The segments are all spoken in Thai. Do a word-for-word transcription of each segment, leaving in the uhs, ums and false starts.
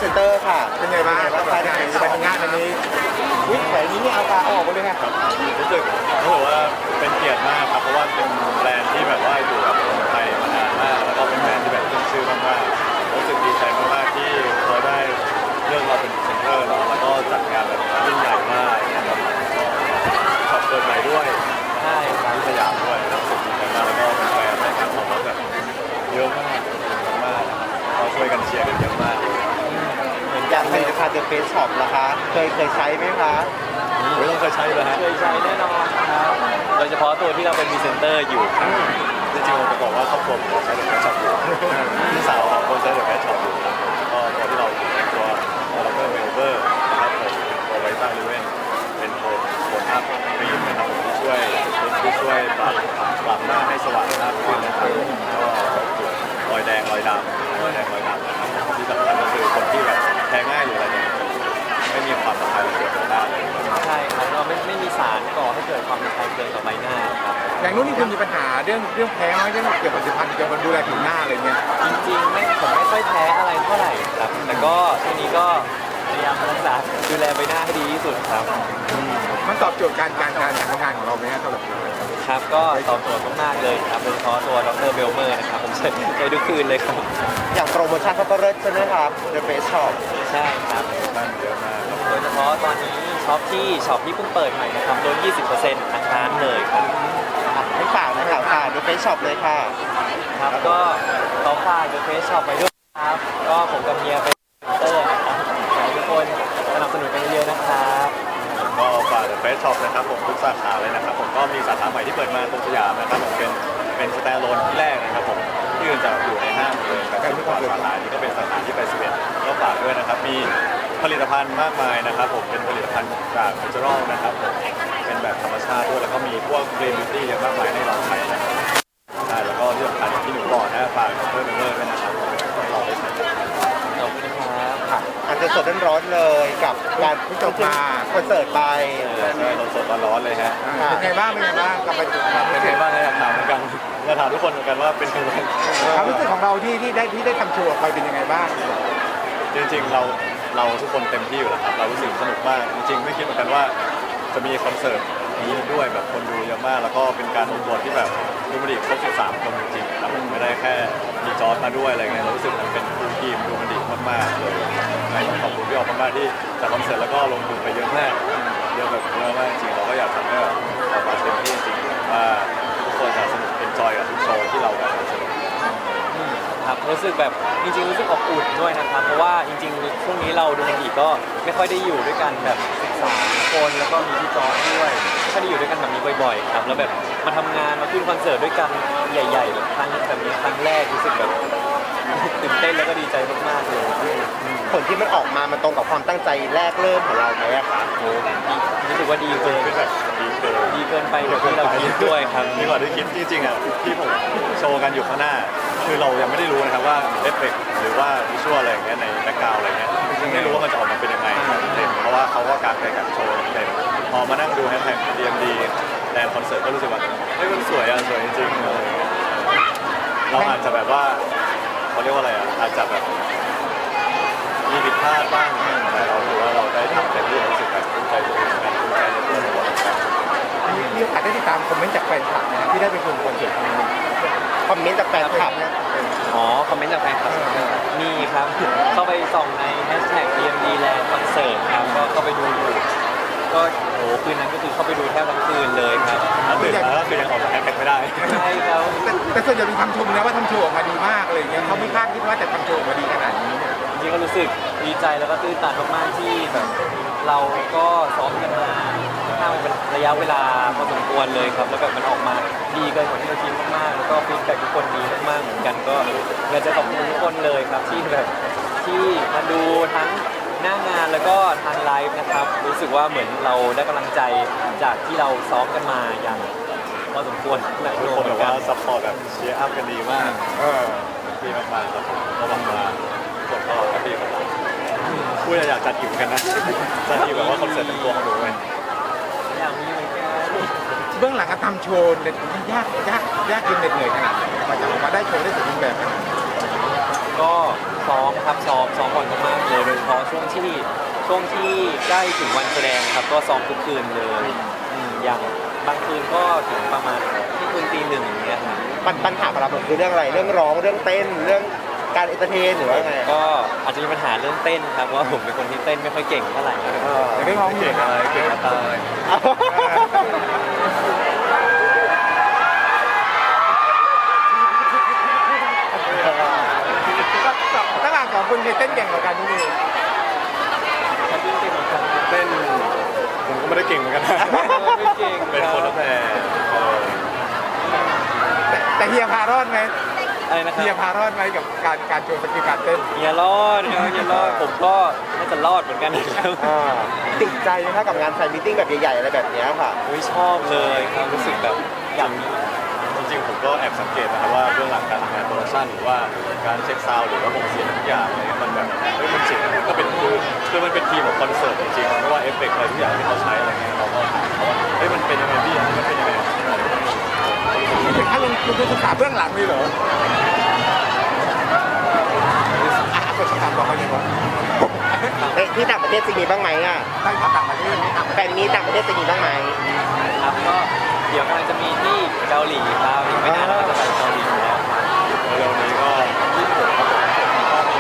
เซนเตอร์ค่ะเป็นไงบ้างกับงานกับงานอันนี้วิ่งแถวนี้นี่เอากาออกไปเลยค่ะครับรู้สึกรู้สึกว่าเป็นเกียรติมากครับเพราะว่าเป็นแบรนด์ที่แบบว่าอยู่กับคนไทยมานานมากแล้วก็เป็นแบรนด์ที่แบบขึ้นชื่อมากๆรู้สึกดีใจมากๆที่เขาได้เลือกเราเป็นพรีเซนเตอร์เนาะแล้วก็จัดงานแบบยิ่งใหญ่มากนะครับขอบคุณใหม่ด้วยใช่ที่สยามด้วยรู้สึกดีใจมากแล้วก็เป็นแฟนในการตอบรับแบบเยอะมากมากเราช่วยกันเชียร์กันเยอะมากเหมือนอย่างผลิตภัณฑ์เดอะเฟสช็อปนะคะเคยเคยใช้ไหมคะไม่ต้องเคยใช้เลยฮะเคยใช้แน่นอนครับโดยเฉพาะตัวที่เราเป็นพรีเซนเตอร์อยู่ครับจริงๆผมจะบอกว่าครอบครัวผมใช้เดอะแฟชช็อปอยู่พี่สาวของคนใช้เดอะแฟชช็อปอยู่ก็ตัวที่เราตัวเราเพิ่มเวลเวอร์นะครับผมตัวไวต้าลิเวนเป็นโทนโทนอัพครีมนะครับผมที่ช่วยที่ช่วยปรับปรับหน้าให้สว่างมากขึ้นนะครับก็รอยแดงรอยดำรอยแดงรอยดำนะครับที่สำคัญก็คือคนที่แบบแพ้ง่ายหรืออะไรเนี่ยไม่มีความสำคัญเกี่ยวกับหน้าเลยใช่ครับเราไม่ไม่มีสารก่อให้เกิดความเป็นไข้เกินต่อใบหน้าครับอย่างนู้นนี่คุณมีปัญหาเรื่องเรื่องแพ้ไหมเรื่องเกี่ยวกับผลิตภัณฑ์เกี่ยวกับดูแลผิวหน้าอะไรเงี้ยจริงๆไม่ผมไม่ค่อยแพ้อะไรเท่าไหร่ครับแต่ก็ทีนี้ก็พยายามรักษาดูแลใบหน้าให้ดีที่สุดครับมันตอบโจทย์การการการทำงานของเราไหมครับสำหรับครับก็ตอบโจทย์มากๆเลยครับโดยเฉพาะตัวดรเบลเมอร์นะครับผมใช้ใช้ทุกคืนเลยครับอย่างโปรโมชั่นเขาก็เลิศใช่ไหมครับเดอะเฟสช็อปใช่ครับมันเยอะมากโดยเฉพาะตอนนี้ช็อปที่ช็อปที่เพิ่งเปิดใหม่นะครับลด ยี่สิบเปอร์เซ็นต์ ทั้งร้านเลยครับให้ฝากนะครับค่ะเดอะเฟสช็อปเลยค่ะครับก็ขอฝากเดอะเฟสช็อปไปด้วยครับก็ผมกับเมียเป็นเตอร์นะครับขอให้ทุกคนสนับสนุนกันเยอะๆนะครับก็ฝากเดอะเฟสช็อปนะครับผมทุกสาขาเลยนะครับผมก็มีสาขาใหม่ที่เปิดมาตรงสยามนะครับผมเป็นเป็นสแตนด์อะโลนที่แรกนะครับผมที่อื่นจะอยู่ในห้างเลยแต่ทุกสาขานี้ก็เป็นสาขาที่ไปสิบเอ็ดก็ฝากด้วยนะครับมีผลิตภัณฑ์มากมายนะครับผมเป็นผลิตภัณฑ์จากเนเจอรัลนะครับผมเป็นแบบธรรมชาติด้วยแล้วก็มีพวกเกรนบิวตี้เยอะมากมายให้เราใช้นะครับใช่แล้วก็ที่สำคัญอย่างที่หนูบอกนะฝากเพิ่มเพิ่มด้วยนะครับเราได้ใช้ขอบคุณครับค่ะอาจจะสดร้อนๆเลยกับการที่จบมาคอนเสิร์ตไปใช่สดๆร้อนๆเลยฮะเป็นไงบ้างเป็นไงบ้างกับเป็นไงบ้างอยากถามเหมือนกันอยากถามทุกคนเหมือนกันว่าเป็นยังไงความรู้สึกของเราที่ที่ได้ที่ได้ทำโชว์ออกไปเป็นยังไงบ้างจริงๆเราเราทุกคนเต็มที่อยู่แล้วครับเรารู้สึกสนุกมากจริงๆไม่คิดเหมือนกันว่าจะมีคอนเสิร์ตนี้ด้วยแบบคนดูเยอะมากแล้วก็เป็นการรวมตัวที่แบบดูมันดีครบสิบสามคนจริงๆครับไม่ได้แค่มีจอร์จมาด้วยอะไรเงี้ยเรารู้สึกมันเป็นฟูลทีมดูมันดีมากๆเลยต้องขอบคุณพี่ออกมากๆที่จัดคอนเสิร์ตแล้วก็ลงทุนไปเยอะมากเยอะแบบเยอะมากจริงเราก็อยากทำให้แบบออกมาเต็มที่จริงว่าทุกคนจะสนุกเอนจอยกับทุกโชว์ที่เราแบบสนุกครับรู้สึกแบบจริงๆรู้สึกอบอุ่นด้วยนะครับเพราะว่าจริงๆช่วงนี้เราดูมันดีก็ไม่ค่อยได้อยู่ด้วยกันแบบสิบสามคนแล้วก็มีพี่จอร์จด้วยไม่ค่อยได้อยู่ด้วยกันแบบนี้บ่อยๆครับแล้วแบบมาทำงานมาขึ้นคอนเสิร์ตด้วยกันใหญ่ๆแบบครั้งแบบนี้ครั้งแรกรู้สึกแบบตื่นเต้นแล้วก็ดีใจมากๆเลยผลที่มันออกมามันตรงกับความตั้งใจแรกเริ่มของเราไหมอะคะโอ้รู้สึกว่าดีเกินแบบดีเกินดีเกินไปกว่าที่เราคิดด้วยครับดีกว่าที่คิดจริงๆอ่ะที่ผมโชว์กันอยู่ข้างหน้าคือเรายังไม่ได้รู้นะครับว่าเอฟเฟกต์หรือว่าวิชวลอะไรอย่างเงี้ยในแบ็คกราวด์อะไรเงี้ยยังไม่รู้ว่ามันจะออกมาเป็นยังไงเต็มเพราะว่าเขาก็การไปกับโชว์เต็มพอมานั่งดูแฮชแท็ก ดี เอ็ม ดี แลนด์คอนเสิร์ตก็รู้สึกว่าเฮ้ยมันสวยอ่ะสวยจริงๆอะไรเงี้ยเราอาจจะแบบว่าเขาเรียกว่าอะไรอ่ะอาจจะแบบมีผิดพลาดบ้างแต่เราถือว่าเราได้ทำเต็มที่รู้สึกแบบภูมิใจตัวเองนะภูมิใจในตัวเรามีโอกาสได้ติดตามคอมเมนต์จากแฟนคลับนะที่ได้ไปชมคอนเสิร์ตครั้งนี้คอมเมนต์จากแฟนคลับนะอ๋อคอมเมนต์จากแฟนคลับมีครับเข้าไปส่องในแฮชแท็ก ดี เอ็ม ดี Land Concert ครับก็เข้าไปดูอยู่ก็โอ้คืนนั้นก็คือเข้าไปดูแทบทั้งคืนเลยครับตื่นแล้วก็คือยังออกจากแฮชแท็กไม่ได้ใช่ครับแต่ส่วนใหญ่เป็นคำชมนะว่าทำโชว์ออกมาดีมากเลยเงี้ยเขาไม่คาดคิดว่าจะทำโชว์ออกมาดีขนาดนี้จริงก็รู้สึกดีใจแล้วก็ตื่นตันมากๆที่แบบเราก็ซ้อมกันมาค่อนข้างเป็นระยะเวลาพอสมควรเลยครับแล้วแบบมันออกมาดีเกินกว่าที่เราคิดมากๆแล้วก็ฟีดแบ็กทุกคนดีมากๆเหมือนกันก็อยากจะขอบคุณทุกคนเลยครับที่แบบที่มาดูทั้งหน้างานแล้วก็ทางไลฟ์นะครับรู้สึกว่าเหมือนเราได้กำลังใจจากที่เราซ้อมกันมาอย่างพอสมควรทุกคนแบบว่าซัพพอร์ตแบบเชียร์อัพกันดีมากเออดีมากๆครับผมก็หวังว่าทุกคนก็แฮปปี้กับเราพูดอยากจัดอีกกันนะจัดอีกแบบว่าคอนเสิร์ตเป็นตัวของหนูเลยอยากมีเหมือนกันเบื้องหลังการทำโชว์เนี่ยยากยากยากจนเหนื่อยขนาดไหนมาจากมาได้โชว์ได้สมบูรณ์แบบก็ซ้อมครับซ้อมซ้อมบ่อยมากๆเลยโดยเฉพาะช่วงที่ช่วงที่ใกล้ถึงวันแสดงครับก็ซ้อมทุกคืนเลยอืมอย่างบางคืนก็ถึงประมาณที่คืนตีหนึ่งอย่างเงี้ยครับปัญปัญหาของเราคือเรื่องอะไรเรื่องร้องเรื่องเต้นเรื่องการเอนเตอร์เทนหรือว่าไงก็อาจจะมีปัญหาเรื่องเต้นครับเพราะว่าผมเป็นคนที่เต้นไม่ค่อยเก่งเท่าไหร่เออแต่ได้ร้องเพลเก่งงอะไรเก่งมาตายระหว่างสองคนเนี่ยเต้นเก่งกว่ากันนี่เองเต้นผมก็ไม่ได้เก่งเหมือนกันนะไม่เก่งเป็นคนละแพรเออแต่แต่เฮียพารอดไหมอะไรนะคเฮียรับพารอดไหมกับการการโชว์สกิลการเต้นอย่ารอดครับอย่ารอดผมก็น่าจะรอดเหมือนกันนะครับอ่าติดใจไหมคะกับงานแฟนมิทติ้งแบบใหญ่ๆอะไรแบบเนี้ยค่ะอุ้ยชอบเลยครับรู้สึกแบบอยากมีจริงๆผมก็แอบสังเกตนะครับว่าเบื้องหลังการทำงานโปรดักชั่นหรือว่าการเช็คซาวด์หรือว่าผมเสียงทุกอย่างอะไรเงี้ยมันแบบเฮ้ยมันเจ๋งก็เป็นคือคือมันเป็นทีมของคอนเสิร์ตจริงๆไม่ว่าเอฟเฟกต์อะไรทุกอย่างที่เขาใช้อะไรเงี้ยเราก็ถามเขาว่าเฮ้ยมันเป็นยังไงพี่อันนี้มันเป็นยังไงนี่ถึงขั้นลงทุนศึกษาเบื้องหลังเลยเหรออ่ะกดคำถามต่อไปเลยว่าเอ๊ะที่ต่างประเทศจะมีบ้างไหมอ่ะใช่ครับต่างประเทศนี่ครับแฟนมีตต่างประเทศจะมีบ้างไหมครับก็เดี๋ยวกำลังจะมีที่เกาหลีครับอีกไม่นานเราก็จะไปเกาหลีแล้วเร็วๆนี้ก็ยี่สิบหกครับผมก็มี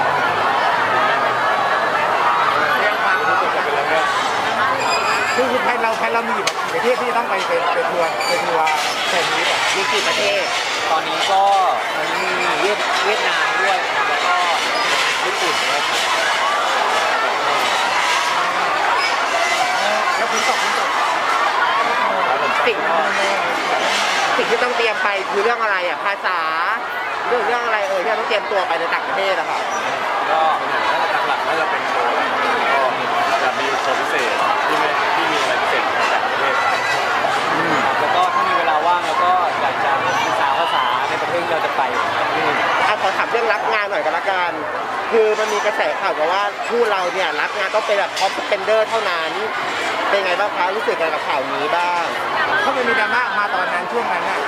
เรื่องความรู้สึกจะเป็นเรื่องเนี้ยคือแพนเราแพนเรามีอยู่ประเทศที่ต้องไปเป็นเป็นทัวร์เป็นทัวร์แฟนนี้แบบมีกี่ประเทศตอนนี้ก็ตอนนี้มีเวียดเวียดนามด้วยครับแล้วก็ญี่ปุ่นด้วยครับแล้วคุณตกคุณตกครับผมสิ่งสิ่งที่ต้องเตรียมไปคือเรื่องอะไรอ่ะภาษาเรื่องเรื่องอะไรเออที่เราต้องเตรียมตัวไปในต่างประเทศอะค่ะก็หลักๆน่าจะเป็นโชว์ก็จะมีโชว์พิเศษที่ไม่ที่มีอะไรพิเศษจากประเทศไทยแล้วก็ถ้ามีเวลาว่างแล้วก็อยากจะศึกษาภาษาในประเทศที่เราจะไปครับเอาขอถามเรื่องรับงานหน่อยกันละกัน คือมันมีกระแสข่าวมาว่าคู่เราเนี่ยรับงานต้องเป็นแบบท็อปสเปนเดอร์เท่านั้น เป็นไงบ้างคะรู้สึกไงกับข่าวนี้บ้างถ้ามันมีดราม่ามาตอนนั้นช่วงนั้นน่ะ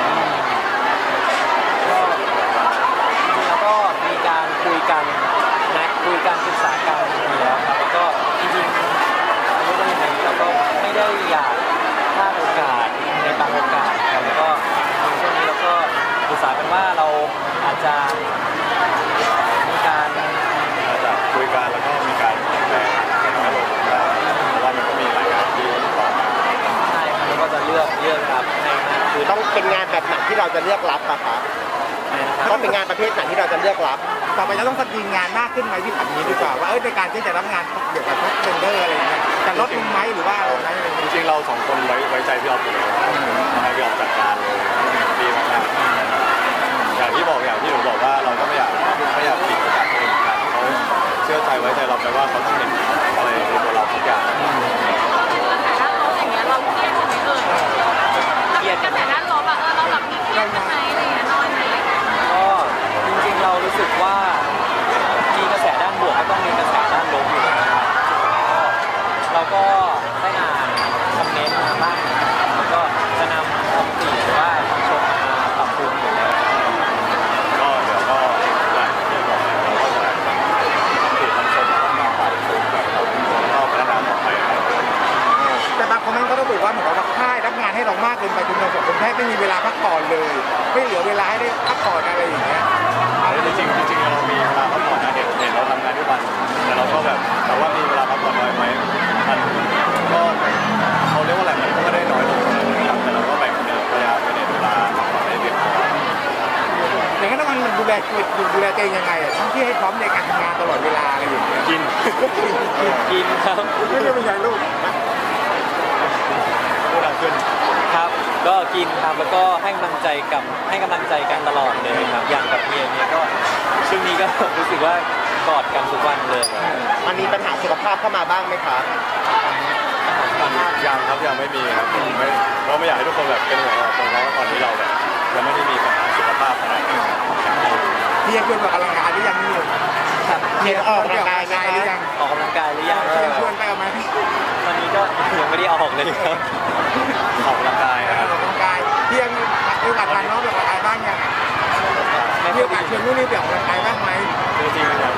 ก็จริงๆแล้วก็มีการคุยกันนะคุยกันศึกษากันอยู่แล้วครับแล้วก็จริงๆเรียกว่ายังไงเราก็ไม่ได้อยากพลาดโอกาสในบางโอกาสครับแล้วก็ในช่วงนี้เราก็ศึกษากันว่าเราอาจจะมีการหลังจากคุยกันแล้วก็มีการเปลี่ยนแปลงให้น้อยลงได้เพราะว่ามันก็มีหลายงานที่ต่อมาใช่ครับแล้วก็จะเลือกเลือกรับให้มากขึ้นต้องเป็นงานแบบไหนที่เราจะเลือกรับอะคะนะครับต้องเป็นงานประเภทไหนที่เราจะเลือกรับต่อไปจะต้องสกรีนงานมากขึ้นไหมที่แบบนี้ดีกว่าว่าเออในการที่จะรับงานเกี่ยวกับท็อปเซนเดอร์อะไรอย่างเงี้ยจะลดลงไหมหรือว่าอะไรอย่างจเงี้ยริงๆเราสองคนไว้ไว้ใจพี่ออฟอยู่แล้วทำให้พี่ออฟจัดการเลยดีมากๆอย่างที่บอกอย่างที่หนูบอกว่าเราก็ไม่อยากไม่อยากปิดโอกาสตัวเองเหมือนกันเขาเชื่อใจไว้ใจเราไปว่าเขาต้องเห็นอะไรในตัวเราทุกอย่างแต่ด้านลบอย่างเงี้ยเราเครียดไหมเอ่ยเครียดกันแต่ด้านลบอะเออเราแบบมีเครียดไหมอะไรอย่างเงี้ยน้อยไหมก็จริงๆเรารู้สึกว่ามีกระแสด้านบวกก็ต้องมีกระแสด้านลบอยู่นะครับก็เราก็ได้อ่านคอมเมนต์มาบ้างนะครับแล้วก็จะนำคำติหรือว่าคำชมมาปรับปรุงอยู่แล้วก็เดี๋ยวก็อย่างที่บอกเราก็จะทำติดทำชมต้องมาปรับปรุงแบบเราก็พัฒนาต่อไปครับแต่บางคอมเมนต์ก็ต้องบอกว่าเหมือนกับว่าค่ายรับงานให้เรามากเกินไปจนเราสองคนแทบไม่มีเวลาพักผ่อนเลย ไม่เหลือเวลาให้ได้พักผ่อนอะไรอย่างเงี้ยจริงๆจริงๆเรามีเวลาพักผ่อนนะเด็กเห็นเราทำงานทุกวันแต่เราก็แบบแต่ว่ามีเวลาพักผ่อนน้อยไหมมันก็เขาเรียกว่าอะไรมันก็ไม่ได้น้อยลงนะครับแต่เราก็แบ่งพยายามไปในเวลาพักผ่อนให้เพียงพออย่างนั้นมันดูแลดูแลตัวเองยังไงอะทั้งที่ให้พร้อมในการทำงานตลอดเวลาอะไรอย่างเงี้ยกินกินครับไม่ใช่เป็นยังลูกพูดดังขึ้นครับ ก็กินครับแล้วก็ให้กำลังใจกับให้กำลังใจกันตลอดเลยครับอย่างกับเมียเนี่ยก็ช่วงนี้ก็ รู้สึกว่ากอดกันทุกวันเลยมันมีปัญหาสุขภาพเข้ามาบ้างไหมคะยังครับยังไม่มีครับไม่เราไม่อยากให้ทุกคนแบบเป็นห่วงเราตรงเพราะว่าตอนนี้เราแบบยังไม่ได้มีปัญหาสุขภาพขนาดนั้นเพียงชวนออกกำลังกายหรือยังนี่ครับเพียงออกกำลังกายไหมคะหรือยังออกกำลังกายหรือยังเชิญชวนไปเอาไหมตอนนี้ก็ยังไม่ได้ออกเลยครับออกกำลังกายอนะคอรักบกำลังกายเพียงมีโอกาสทานน้องไปออกกำลังกายบ้างยังไม่มีค่อโอย กาสดีชวนนู่นนี่ไปออกกำลังกายบ้างไหมจริงๆอยาก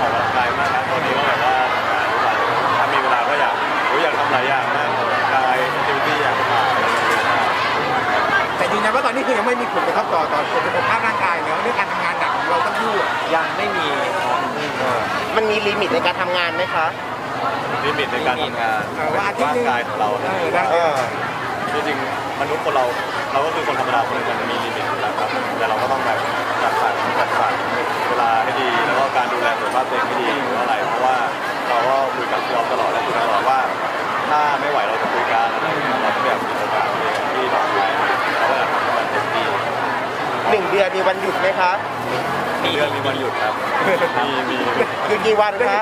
ว่าตอนนี้คือยังไม่มีผลกระทบต่อต่อสุขภาพร่างกายเนอะเรื่องการทำงานหนักของเราต้องพูดยังไม่มีครับมันมีลิมิตในการทำงานไหมคะลิมิตในการทำงานเออว่าอาทิตย์ร่าหนึงงกายของเราเออว่าได้เออจริงๆมนุษย์คนเราเราก็คือคนธรรมดาคนหนึงมันมีลิมิตอยู่แล้วครับแต่เราก็ต้องแบบจัดสรรจัดสรรเวลาให้ดีแล้วก็การดูแลสุขภาพตัวเองให้ดีเพราะอะไรเพราะว่าเราก็คุยกับพี่ออฟตลอดและคุยกันตลอดว่า ถ้าไม่ไหวเราจะคุยกันอะไรอย่างเงี้ยเราก็แบบมีโอกาสที่เราไปเราก็อยากทำให้มันเต็มที่หนึ่งเดือนมีวันหยุดไหมคะมีเดือนมีวันหยุดครับมีมีคือกี่วันคะ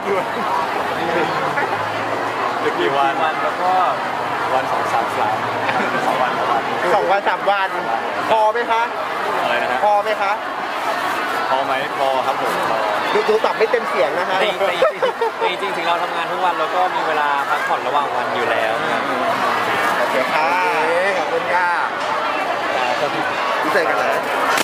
หรือกี่วันวันแล้วก็วันสองสามสามสองวันสองวันสองวันสามวัน พอไหมคะอะไรนะฮะพอไหมคะพอไหมพอครับผมพอดูดูตอบไม่เต็มเสียงนะคะแต่แต่แต่จริงๆถึงเราทำงานทุกวันเราก็มีเวลาพักผ่อนระหว่างวันอยู่แล้วครับโอเคค่ะเอ๊ะขอบคุณค่ะพิเศษกันเลย